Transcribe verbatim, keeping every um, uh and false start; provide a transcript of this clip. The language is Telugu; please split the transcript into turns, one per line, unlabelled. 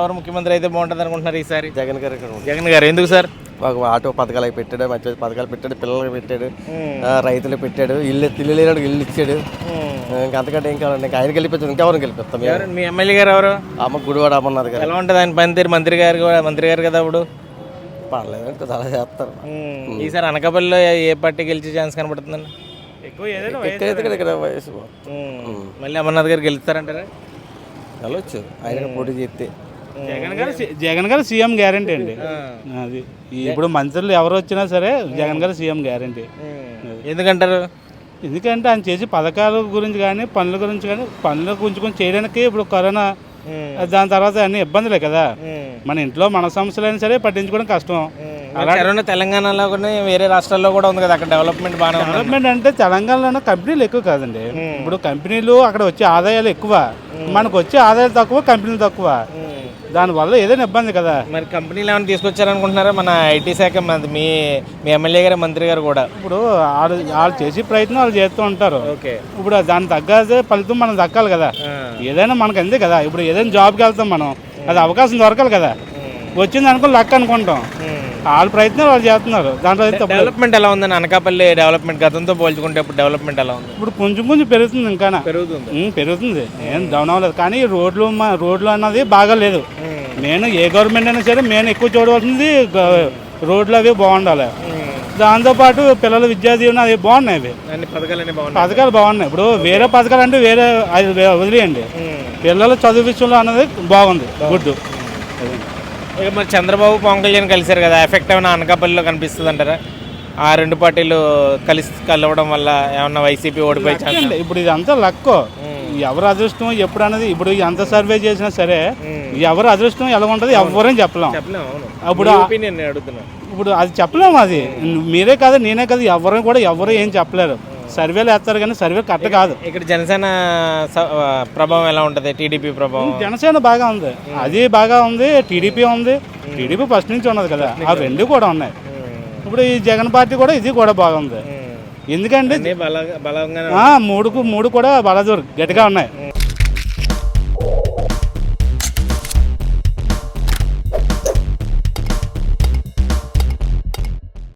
ఎవరు ముఖ్యమంత్రి అయితే బాగుంటుంది అనుకుంటున్నారు ఈసారి?
జగన్ గారు
జగన్ గారు. ఎందుకు సార్?
ఒక ఆటో పథకాలు అవి పెట్టాడు, మంచి మంచి పథకాలు పెట్టాడు, పిల్లలకి పెట్టాడు, రైతులకు పెట్టాడు, ఇల్లు ఇల్లు లేనాడు ఇల్లు ఇచ్చాడు. ఇంకా అంతకంటే ఏం కావాలండి? ఇంకా ఆయన గెలిపించాడు, ఇంకెవరిని గెలిపిస్తాం?
మీ ఎమ్మెల్యే గారు ఎవరు?
అమ్మ గుడివాడ అమ్మన్నది గారు.
ఎలా ఉంటుంది ఆయన పనితీరు? మంత్రి గారు కూడా మంత్రి గారు కదా అప్పుడు.
పర్లేదు, చాలా చేస్తారు.
ఈసారి అనకాపల్లిలో ఏ పార్టీ గెలిచే ఛాన్స్ కనబడుతుందండి? ఎక్కువ
ఎక్కడైతే ఇక్కడ వయసు
మళ్ళీ అమర్నాథ్ గారు గెలుస్తారంటారా?
వెళ్ళొచ్చు, ఆయన పోటీ చేస్తే.
జగన్ గారు జగన్ గారు సీఎం గ్యారంటీ అండి. అది ఇప్పుడు మంత్రులు ఎవరు వచ్చినా సరే జగన్ గారు సీఎం గ్యారంటీ.
ఎందుకంటారు?
ఎందుకంటే ఆయన చేసే పథకాల గురించి కానీ పనుల గురించి కానీ పనుల గురించి కొంచెం చేయడానికి ఇప్పుడు కరోనా దాని తర్వాత అన్ని ఇబ్బందులే కదా. మన ఇంట్లో మన సమస్యలైనా సరే పట్టించుకోవడం కష్టం.
కరోనా తెలంగాణలో కూడా వేరే రాష్ట్రాల్లో కూడా ఉంది కదా, అక్కడ డెవలప్మెంట్ బాగా.
డెవలప్మెంట్ అంటే తెలంగాణలో కంపెనీలు ఎక్కువ కాదండి. ఇప్పుడు కంపెనీలు అక్కడ వచ్చే ఆదాయాలు ఎక్కువ, మనకు వచ్చే ఆదాయాలు తక్కువ, కంపెనీలు తక్కువ. దానివల్ల ఏదైనా ఇబ్బంది కదా.
మరి కంపెనీలు ఏమైనా తీసుకొచ్చారనుకుంటున్నారా? మన ఐటీ శాఖ మీ మీ ఎమ్మెల్యే గారు మంత్రి గారు కూడా
ఇప్పుడు వాళ్ళు వాళ్ళు చేసే ప్రయత్నం వాళ్ళు చేస్తూ ఉంటారు.
ఓకే,
ఇప్పుడు దాని తగ్గదే ఫలితం మనం దక్కాలి కదా. ఏదైనా మనకు అంతే కదా. ఇప్పుడు ఏదైనా జాబ్కి వెళ్తాం మనం, అది అవకాశం దొరకాలి కదా. వచ్చింది అనుకుని లక్ అనుకుంటాం. వాళ్ళ ప్రయత్నం వాళ్ళు చేస్తున్నారు. దాంట్లో
డెవలప్మెంట్ ఎలా ఉందని అనకాపల్లి డెవలప్మెంట్ గతంతో పోల్చుకుంటే ఇప్పుడు డెవలప్మెంట్ ఎలా ఉంది?
ఇప్పుడు కొంచెం కొంచెం పెరుగుతుంది, ఇంకా
పెరుగుతుంది
పెరుగుతుంది ఏం డౌన్ అవ్వలేదు. కానీ రోడ్లు రోడ్లు అన్నది బాగా లేదు. నేను ఏ గవర్నమెంట్ అయినా సరే నేను ఎక్కువ చూడవలసింది రోడ్లు అవి బాగుండాలి. దాంతోపాటు పిల్లల విద్యా దీవెన అవి బాగున్నాయి. అవి పథకాలు బాగున్నాయి. ఇప్పుడు వేరే పథకాలు అంటే వేరే అది వదిలేయండి. పిల్లల చదువు విషయంలో అన్నది బాగుంది, గుడ్.
ఇక మరి చంద్రబాబు పవన్ కళ్యాణ్ కలిశారు కదా, ఎఫెక్ట్ ఏమైనా అనకాపల్లిలో కనిపిస్తుంది అంటారా? ఆ రెండు పార్టీలు కలిసి కలవడం వల్ల ఏమన్నా వైసీపీ ఓడిపోయి?
ఇప్పుడు ఇదంతా లక్కో, ఎవరు అదృష్టం ఎప్పుడు అనేది. ఇప్పుడు ఎంత సర్వే చేసినా సరే ఎవరు అదృష్టం ఎలా ఉంటుంది ఎవరని చెప్పలేం. అప్పుడు ఇప్పుడు అది చెప్పలేము. అది మీరే కాదు నేనే కాదు, ఎవరు కూడా ఎవరు ఏం చెప్పలేరు. సర్వేలు వేస్తారు కానీ సర్వే కరెక్ట్ కాదు.
ఇక్కడ జనసేన ప్రభావం ఎలా ఉంటుంది? టీడీపీ ప్రభావం?
జనసేన బాగా ఉంది, అది బాగా ఉంది. టీడీపీ ఉంది, టీడీపీ ఫస్ట్ నుంచి ఉన్నది కదా. ఆ రెండు కూడా ఉన్నాయి. ఇప్పుడు ఈ జగన్ పార్టీ కూడా ఇది కూడా బాగుంది. ఎందుకంటే మూడుకు మూడు కూడా బలదూరు గట్టిగా ఉన్నాయి.